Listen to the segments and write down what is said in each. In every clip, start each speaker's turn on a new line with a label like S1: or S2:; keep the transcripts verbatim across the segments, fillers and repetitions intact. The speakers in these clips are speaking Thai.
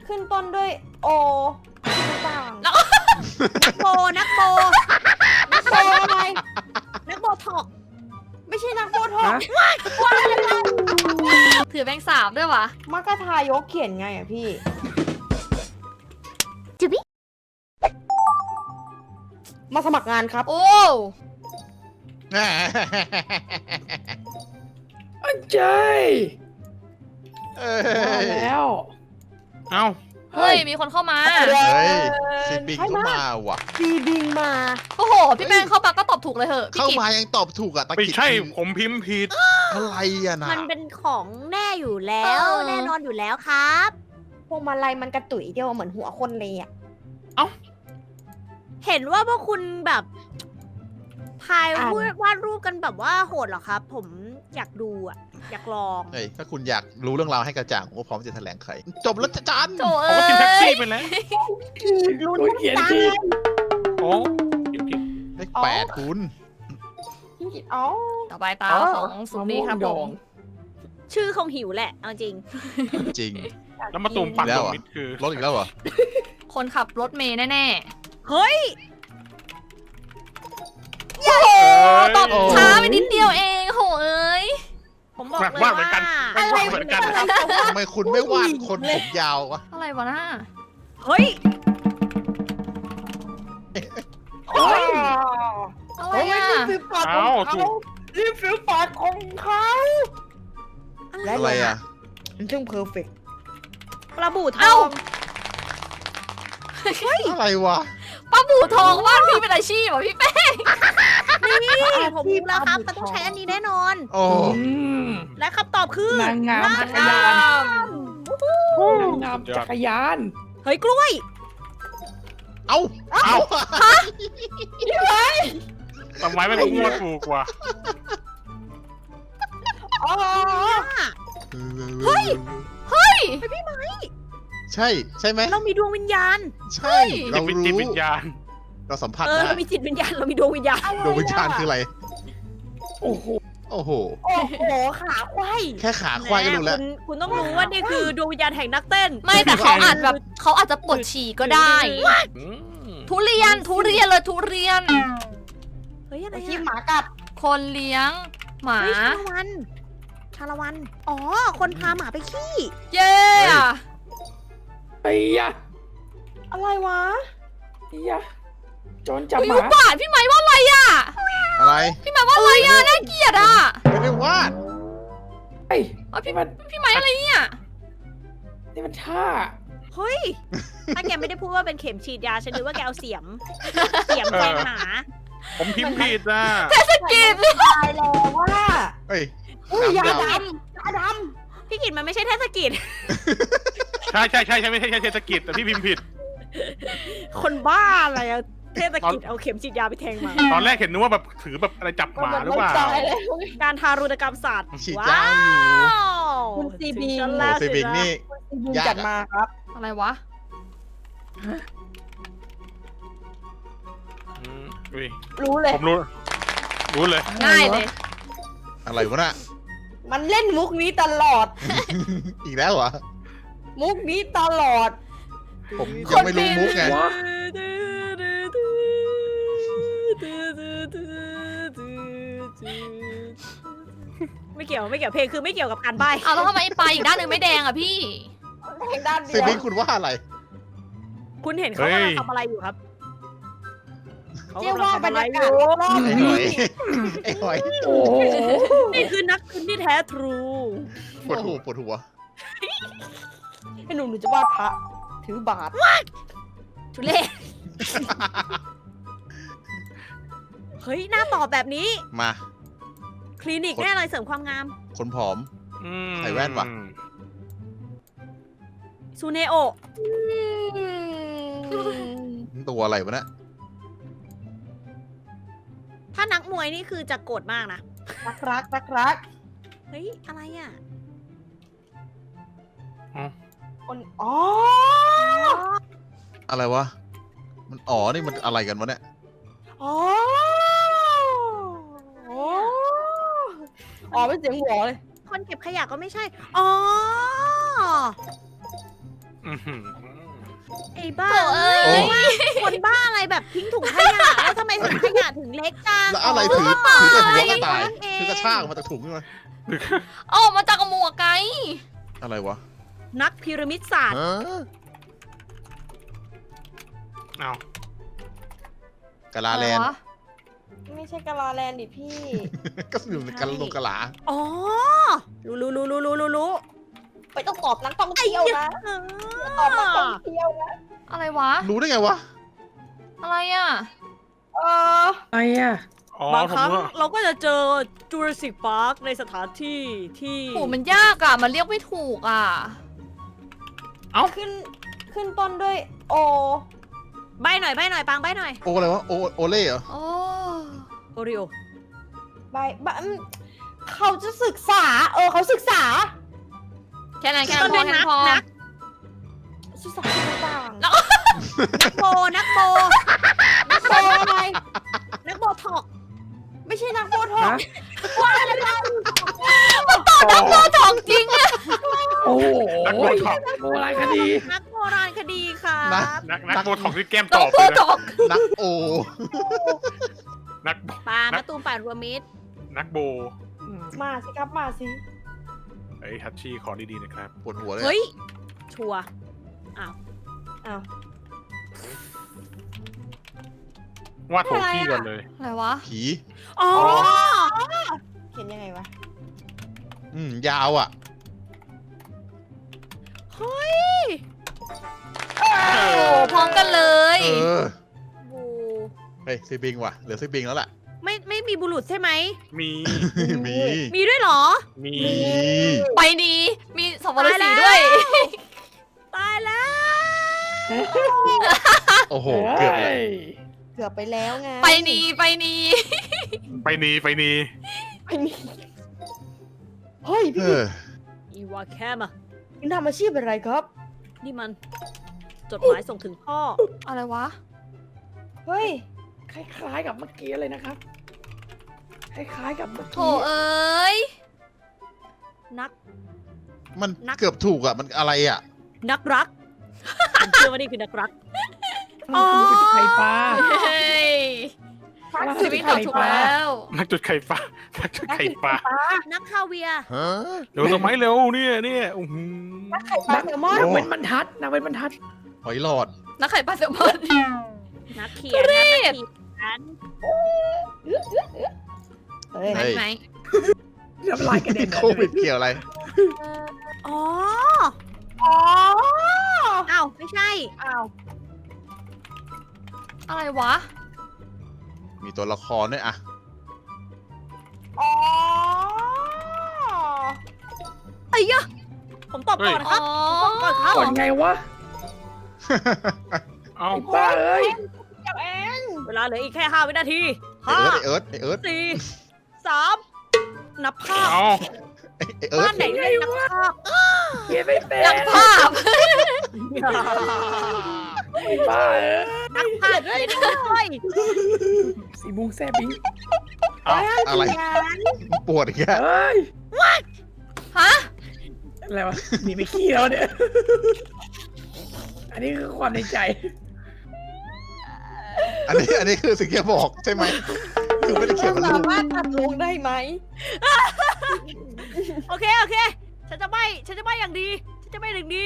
S1: ขึ้นต้นด้วยโอต่าง
S2: แล้วนักโบนักโบนักโบอะไรนักโบถอก
S1: ไม่ใช่นักโบทอก
S2: ถือแบงค์สามด้วยวะ
S1: มักกะทายกเขียนไงอะพี่
S2: จิบิ
S1: มาสมัครงานครับ
S2: โอ้
S3: อันเจย
S4: เอ้
S3: มาย แล้ว
S4: เอ้า
S2: เฮ้ยมีคนเข้ามา
S4: เฮ้ยซีปิงก็มาว่ะ
S1: ซีบิงมา
S2: โอ้โหพี่แป้งเข้ามาก็ตอบถูกเลยเหอะพี่
S4: เข้า
S2: กิจ
S4: มายังตอบถูกอ่ะตะ
S5: ไม่
S4: กิด
S5: ใช่ผมพิมพ์ผิด
S4: อะไรอ่ะนะ
S6: มันเป็นของแน่อยู่แล้ว แน่นอนอยู่แล้วครับ
S1: พวงมาลัยมันกระตุยเดียวเหมือนหัวคนเลยอะ
S6: เห็นว่าพวกคุณแบบพายวาดรูปกันแบบว่าโหดเหรอครับ ผมอยากดูอ่ะ อยากลอง
S4: เฮ้ยถ้าคุณอยากรู้เรื่องราวให้กระจ่างผมก็พร้อมจะแถลงไขจบแล้วจ้ะจัน
S2: โถ
S5: ผม
S2: เอ้
S5: ก็กินแท็ก
S2: ย
S5: ซี่ไปแล้ว
S1: ลุ้น
S3: ตัวเขียนผิด
S5: โอ้ผิดผิด
S4: เลขแปดคุณ
S1: พี่กิตอ๋อ
S2: ต่อไปตาของสุนีครับผม
S6: ชื่อคงหิวแหละเอาจริง
S4: จริง
S5: แล้วมาตูมปัก
S4: แล้
S5: ต
S4: ว
S5: รง
S4: เหรอ
S5: มิดคือ
S4: รถอีกแล้วเหรอ
S2: คนขับรถเมย์แน่
S6: เฮ้ย
S2: ๆโอ้โหตอบช้าไปนิดเดียวเองโหเอ้ย
S6: ผมบอก
S5: แหวก
S6: เลย
S5: ว่า
S6: ว่า
S5: เหมือนกันแหวกว่าเหมือนกัน
S4: ทำไมคุณไม่วาดคนผมยาววะ
S2: อะไรวะน่า
S6: เฮ้ย
S1: เฮ้ย
S2: อะไร
S1: เฮ้ย
S2: อ่ะ
S1: นี่คือปากของ
S5: เอ้า
S1: เขา
S5: ถูก
S1: นี่คือปากของเขา
S4: อะไรอ่ะ
S1: มันช่างเพอร์เฟกต์
S6: ปลาบูท
S2: เอ้า
S6: อง
S4: อะไรวะ
S2: ป้าบูทองวาดพี่เป็นอาชีพเหรอพี่แป้ง
S6: นี่ผมรู้แล้วครับมันต้องใช้อันนี้แน่นอน
S4: โอ้
S3: อืม
S6: และคำตอบคือน
S3: างงามจักรยาน นางงามจักรยาน
S6: เฮ้ยกล้วย
S4: เอ้า
S5: เอ้าทำไมไม่มั่วถูกว่ะ
S1: อ๋อ
S4: เฮ้ย
S2: เฮ้ย
S4: ใช่ใช่ไหม
S6: เรามีดวงวิญญาณ
S4: ใช่เรา
S5: จิต
S4: รู้
S5: จิตวิญญาณ
S4: เราสัมผัส
S6: เออ
S4: ได้
S6: เรามีจิตวิญญาณ เรามีดวงวิญญาณ
S4: ดวงวิญญาณคืออะไร
S3: โอ้โห
S4: โอ้โห
S1: โอ้โหขาควาย
S4: แค่ขาควายก็รู้แล้ว
S6: คุณคุณต้องรู้ว่านี่คือดวงวิญญาณแห่งนักเต้น
S2: ไม่แต่เขาอาจแบบเขาอาจจะปวดฉี่ก็ได้
S5: อืม
S2: ทุเรียนทุเรียนเลยทุเรียน
S6: เฮ้ยอะไร
S1: ไอ้ที่
S6: อะ
S1: หมากัด
S2: คนเลี้ยงหมา
S6: เฮ้ยชาละวัน ชาละวัน อ๋อ คนพาหมาไปขี้
S2: เย้อะ
S3: ไอ้ยะ
S1: อะไรวะ
S3: ไอ้ยะโจรจับ
S2: อุ้ย
S3: ห
S2: อุ
S3: มา
S2: บาทพี่ไม้ว่าอะไรอ่ะ
S4: อะไร
S2: พี่ไม้ว่าอะไรอ่ะน่าเกลียดอ่ะ
S4: ไม่ได้วาด
S3: เฮ้ย
S2: เอาพี่
S3: นี่มัน
S2: พี่ไม้อะไรเนี่ย
S3: นี่มันท่า
S6: เฮ้ย ถ้าแกไม่ได้พูดว่าเป็นเข็มฉีดยา ฉันนึกว่าแกเอาเสียม เสียมแทงหมา
S5: ผมพิมพ์ผิดนะ
S2: กิน
S1: ตายแล้วว่า
S4: เฮ้ย
S1: อุ้ยยา
S4: น้ำยาว
S1: ดำยาด
S6: พี่กิตมันไม่ใช่เทศกิจ
S5: ใช่ใช่ใช่ใช่ไม่ใช่เทศกิจแต่พี่พิมพ์ผิด
S6: คนบ้าอะไรอะเทศกิจเอาเข็มฉีดยาไปแทงหมา
S5: ตอนแรกเห็นนึกว่าแบบถือแบบอะไรจับ
S1: ำ
S5: หมาหรือเปล่า
S1: ตายแล้ว
S6: การทารุณกรรมสัตว์
S4: ฉีด
S6: ว้าย
S4: าวอยู่
S6: ว
S1: คุณซีบี
S6: ถึงฉัน
S4: โอ้
S6: แล้ว
S4: เซบิงนี่
S1: ซีบิง
S4: ยากอะ
S1: จัดมาครับ
S2: อะไรวะ
S5: อืมอุ้ย
S1: รู้เลย
S5: ผมรู้ รู้เลย
S2: ง่ายเลย
S4: อะไรวะน่ะ
S1: มันเล่นมุกนี้ตลอด
S4: อีกแล้วเหรอ
S1: มุกนี้ตลอด
S4: ผมยังไม่รู้มุกไง
S3: วะ
S6: ไม่เกี่ยวไม่เกี่ยวเพลงคือไม่เกี่ยวกับการใบ้
S2: เอาแล้วทำไมปลาอีกด้านหนึ่งไม่แดงอ่ะพี่
S1: ทางด้าน
S4: เซ
S1: เดียว
S4: บิงคุณว่าอะไร
S6: คุณเห็นเขากำลังทำอะไรอยู่ครับเขา
S1: เรียก
S6: กำลั
S1: ว่าง บร
S6: ทำ
S1: ร
S6: อะไร
S1: ยา
S6: อก
S1: าศ
S6: ยู่
S1: รอบ
S4: ไอ้
S1: ๆ
S4: ห
S1: นี้
S4: อย ไอ้หอย
S3: โอ้โห
S6: นี่คือนักคืนที่แท้ทรู
S4: ปวดหัวปวดหัว
S1: ให้หนูหนูจะวาดพระถือบาท
S2: ทุเรศ
S6: เฮ้ยหน้าตอบแบบนี้
S4: มา
S6: คลินิกแน่เลยเสริมความงาม
S4: คนผอม
S5: อืม
S4: ใส่แว่นว่ะ
S6: ซูเนโอ
S4: ตัวอะไรวะเนี่ย
S6: ถ้านักมวยนี่คือจะโกรธมากนะ
S1: รักรักรักรัก
S6: เฮ้ย อะไรอ่ะ
S1: คนอ๋อ
S4: อะไรวะ มันอ๋อ นี่มันอะไรกันวะเนี่ย
S1: อ๋ออ๋ออ๋อเป็นเสียงหัวเลย
S6: คนเก็บขยะก็ไม่ใช่ อ๋อ
S5: อื้อหือ
S6: ไอ้บ้า
S3: โถ่เอ้ย
S6: ว่าคนบ้าอะไรแบบทิ้งถุงขยะแล้วทำไมถุงขยะถึงเล็กจัง
S4: แล้วอะไรถือถือกระหัวกระต่ายถือกระชากออกมาจากถุงใช่ไหม
S3: ออกมาจากหมวกไง
S4: อะไรวะ
S6: นักพีระมิดศาสตร์
S4: ฮะ
S5: เอา
S4: กะลาแลนด์
S3: อะไรวะ
S1: ไม่ใช่กาลาแลนด์ดิพี่
S4: ก็อยู่ในกะลงกะลา
S6: อ๋อรู้รู้รู้รู้รู้รู้รู้
S1: ไปต้องตอบนักท่องเที่ยวนะตอบนักท่องเที่ยวนะ
S3: อะไรวะ
S4: รู้ได้ไงวะ
S3: อะไรอ่ะ
S1: เออ
S7: อะไรอ่ะ
S5: อ๋อบ
S6: าง
S5: ผ
S6: ค
S5: ม
S6: รั้ง
S5: ว่า
S6: เราก็จะเจอจูราสสิกพาร์คในสถานที่ที่
S3: โหมันยากอ่ะ มันเรียกไม่ถูกอ่ะ
S1: ขึ้นขึ้นต้นด้วยโอ
S6: ใบหน่อยใบหน่อยปังใบหน่อย
S4: โออะไรวะ โอโอเล่เหรอ
S3: โอ้
S6: โอริโอ
S1: ใบใบอืมเขาจะศึกษา เออเขาศึกษา
S3: แค่นั้นแค่นั้นพอ
S6: ต้น
S3: แค่
S6: ด้วย
S3: นั้นพอ
S6: นัก
S1: ศึกษาที่ต่าง
S3: แล้ว
S6: นักโบนักโบ
S1: นักโบอะไร
S6: นักโบถอก
S1: ไม่ใช่นักโบทอก
S7: ฮะ
S1: ว่าอะไรกัน
S3: นักโบทองจริงอะ
S7: โอ้โห
S5: นักโบท็อก
S7: โบราณคดี
S6: นักโบราณคดีค่ะ
S4: นะ
S5: นักนักโบท็อกที่แก้ม
S3: นั
S5: ต
S3: ก
S5: อบ
S3: โบ
S5: เลย
S3: ท
S5: นะ
S3: อก
S4: นักโอ
S5: นัก
S6: ปามาตูมป่านรวมมิตร
S5: นักโบ
S1: มาสิครับมาสิ
S5: ไอ้ยฮัตชี่ขอดีๆนะครับ
S4: ปวดหัวเลย
S6: เฮ้ย ชัวร์
S1: อ้าว
S5: วาดโถขี้ก่อนเลย
S3: อะไรวะ
S4: ผี
S6: อ๋อ
S1: เห็นยังไงวะ
S4: อืม ยาวอ่ะ
S6: เฮ้ย
S3: โอ้พร้อมกันเลย
S4: เออ
S6: บู
S4: เฮ้ยซีบิงว่ะ เหลือซีบิงแล้วแหละ
S6: ไม่ไม่มีบุรุษใช่ไหม
S5: มี
S4: มี
S6: มีด้วยเหรอ
S5: มี
S4: มี
S3: ไปดีมีสับปะรดสีด้วย
S6: ตายแล้ว
S4: โอ้โห เกือบเลย
S1: เกือบไปแล้วไง
S3: ไปนีไปนี
S5: ไปนีไปนี
S1: ไปนี่เฮ้ย
S4: เอ
S1: พี่
S4: อ
S6: อีวาแคมอะ
S1: คุณทำอาชีพอะไรครับ
S6: นี่มัน จดหมายส่งถึงพ่อ
S3: อะไรวะ
S1: เฮ้ย
S7: คล้ายๆกับเมื่อกี้เลยนะครับ คล้ายๆกับเมื่อ
S3: โถ
S7: กี้
S3: เอ้ย
S6: นัก
S4: มัน
S6: นัก
S4: เกือบถูกอ่ะ มันอะไรอ่ะ
S6: นักรัก ผมเชื่อว่านี่คือนักรัก
S7: อ๋อคือไข่ปลา
S3: เฮ้ย
S7: ว่า
S3: ชีวิตตกถูกแล้ว
S5: นักจุดไข่ปลานักจุดไข่ปลา
S6: นักคาเวียร์
S4: ฮะ
S5: เร็วทำไมเร็วเนี่ยเนี่ยโอ้โห
S1: ไข่ปลาแซลมอน
S7: นางเว้นบรรทัดนางเว้นบรรทัด
S4: หอยหลอด
S3: นักไข่ปลาแซลมอน
S6: นักเขียนนักเขียน
S1: เฮ้ย
S4: เฮ้ย
S3: ไหน
S7: น้ำลายกระเด็น
S4: โควิดเกี่ยวอะไร
S6: อ๋อ
S1: อ๋อ
S6: อ้าวไม่ใช่
S1: อ้าว
S3: อะไรวะ
S4: มีตัวละครด้วยอ่ะ
S1: อ๋อ
S6: ไอ้ยะผมตอบก่อนนะค
S3: อ๋
S6: รั
S3: อ
S6: บผมตอบก่อนครับ
S7: ก่อนไงวะ
S5: เอ้า
S7: ไอ้บ้าเอ้ย
S1: เจ้าเอง
S6: เวลาเหลืออีกแค่ห้าวินาที
S4: ไอ
S6: ห้า
S4: เอิร์ธไอเอิร์ธไอเอิร์ธ
S6: สี่สามนับภาพ
S5: เอ้า
S4: ไอไอเอิร์
S6: บ้า
S4: ธ
S6: นไหนเรียกนับภาพ
S7: เขียนไม่เป็น
S3: นักภาพ
S7: ไอ้บ้าเอ้ย
S6: นักภาพเขียนด้วย
S7: สีมุงแซ่บิง
S5: เอ้า
S4: อะไร ปวดอีกแล้ว
S7: เอ้ย
S3: ฮะ
S7: อะไรวะหนีไปขี้แล้วเนี่ย อันนี้คือความในใจ
S4: อันนี้อันนี้คือสิ่งที่บอกใช่ไหม คือไม่ได้เขียนเป็นรู
S1: สา
S4: ป
S1: มารถตัดลงได้ไหม
S6: โอเคโอเค ฉันจะไม่ฉันจะไม่อย่างดี ฉันจะไม่อย่างดี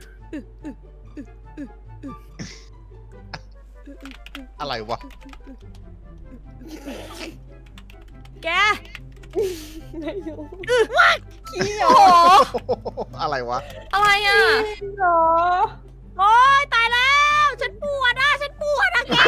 S4: อะไรวะ
S6: แก
S1: ไม่รู้ขี้เหร
S3: โอ้
S1: อ
S3: โห
S4: อะไรวะ
S3: อะไรอ่ะ
S1: ขี้เหรอ
S6: โอ๊ยตายแล้ว ฉันปวดอ่ะฉันปวดอ่ะแก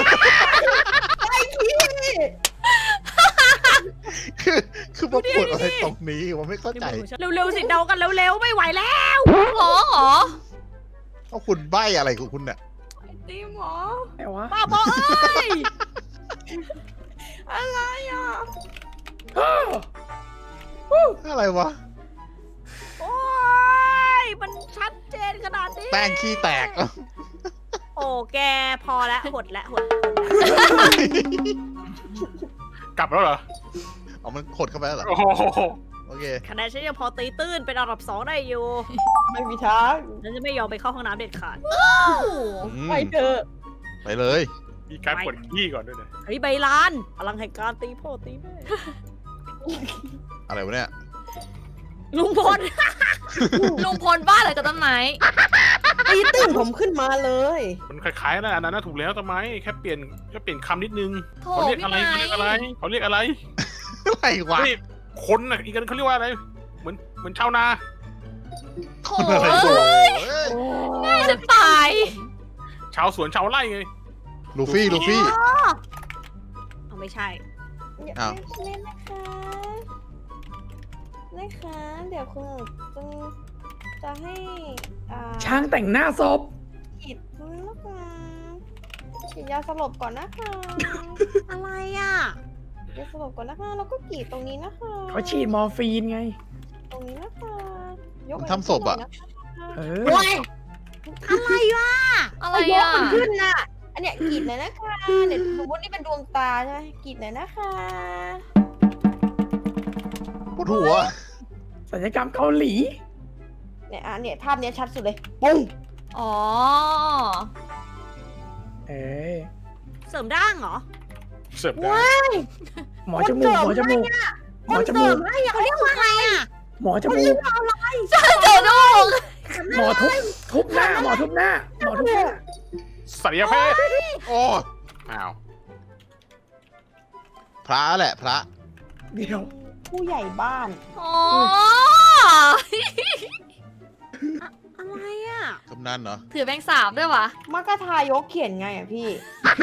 S4: คือคือมาปวดอะไรตรงนี้วะไม่เข้าใจ
S6: เร็วๆสิเดากันเร็วๆไม่ไหวแล้ว
S3: ร้องเหรอ
S4: ว่าคุณใบ้อะไรของคุณเนี่ย
S1: ตีหมอ
S7: แต่วะ
S6: ป้าบอเอ้ย
S1: อะไรอ่ะ
S4: อะไรวะ
S6: โอ๊ยมันชัดเจนขนาดนี้
S4: แป้งขี้แตก
S6: โอ้แกพอแล้วหดแล้วหด
S5: กลับแล้วเหรอ
S4: เอามันขดเข้าไปแล้วเหรอ
S5: โอ้โห
S4: โอเคเค
S6: คะแนนฉันยังพอตีตื้นเป็นอันดับสองได้อยู่
S1: ไม่มีทาง
S6: ฉันจะไม่ยอมไปเข้าห้องน้ำเด็ดขาด
S4: อืม
S1: ไปเถอะ
S4: ไปเลย
S5: มีการปวดขี้ก่อนด้วยนะ
S6: เฮ้ยใบลานพลังแห่งการตีพ่อตีแม่
S4: อะไรวะเนี่ย
S6: ลุงพล
S3: ลุงพลบ้าเลยกับต้นไม้
S1: ตีตื่นผมขึ้นมาเลย
S5: มันคล้ายๆนะอันนั้นนะถูกแล้วทำไมแค่เปลี่ยนแค่เปลี่ยนคำนิดนึง
S3: โถ
S5: เขาเรียก
S3: พี่
S5: อะไร
S3: ไม้
S5: เขาเรียกอะไรเขาเรียกอะไร
S4: อะไรวะ
S5: เฮ้ยคนน่ะอีกอันเขาเรียกว่าอะไร เหมือนเหมือนชาวนา
S3: โถ
S4: อะไร
S3: เอ้
S4: โอ้
S3: ย
S4: ย
S3: ง่ายจะตาย
S5: ชาวสวนชาวไร่ไง
S4: ลูฟี่ลูฟี่
S6: เอาไม่ใช่
S4: อ้าว
S1: เล่นนะคะนะคะเดี๋ยวคุณจะจะให้อ่า
S7: ช้างแต่งหน้าศพ
S1: ฉีดนะคะฉีดยาสลบก่อนนะคะ
S6: อะไรอ่ะ
S1: ยาสลบก่อนนะคะแล้วก็กรีดตรงนี้นะคะ
S7: เขาฉีดมอร์ฟีนไง
S1: ตรงนี้นะคะยก
S4: มันทำศพอะ
S7: เออ
S1: โอ้ย
S6: อะไรวะ
S3: อะไร
S1: ยก
S3: อ่ะ
S1: มันขึ้นน่ะ อันเนี้ยกรีดหน่อยนะคะเดี๋ยวสมมตินี่เป็นดวงตาใช่ไหมกรีดหน่อยนะคะ
S4: ปวดหัว
S7: ศัลยกรรมเกาหลี
S1: เนี่ยอ่ะเนี่ยภาพเนี้ยชัดสุดเลยปุ้ง
S3: อ๋อ
S7: เออ
S6: เสริมด่างเหรอ
S5: เสิร์ฟได้
S7: หมอจมูกหมอจมูกหมอจมูก
S6: เขาเรียกว่าอะไรอ่ะ
S7: หมอจมูก
S3: เดี๋ยวดู
S7: หมอทุบทุบหน้า หมอทุบหน้า หมอทุบหน้า
S5: ศัลยแพทย์
S4: โอ้ย
S5: อ้าว
S4: พระแหละพระ
S7: เดี๋ยว
S1: ผู้ใหญ่บ้าน
S3: อ๋อ
S6: อะไรอ่ะ
S4: กำนันเหรอ
S3: ถือแบงค์สามด้วยวะ
S1: มักกะทายกเขียนไงอ่ะพี่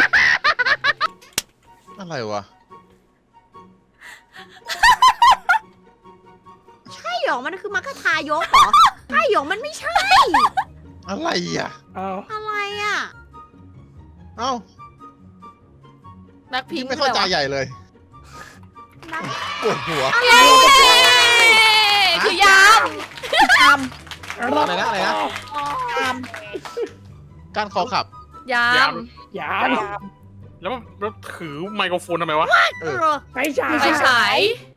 S4: อะไรวะ
S6: ใช่หรอมันคือมัคคทายกเหรอ ใช่หรอมันไม่ใช่
S4: อะไรอ่ะ
S7: เอา
S6: อะไรอ่ะ
S4: เอ้า
S3: แบ็คพิ
S4: ยิ่
S3: ง
S4: ง
S3: ค์
S4: ไม่เข้าใจใหญ่เลย
S6: นัก
S4: ปวดหัว
S3: เย้คือยาม
S4: อะไรนะอะไรนะ การคอขับ
S3: ยาม
S7: ยาม
S5: แล้วแล้วถือไมโครโฟนทำไมวะ
S4: เออ
S6: เออ
S7: ไฟฉาย
S3: ไฟฉาย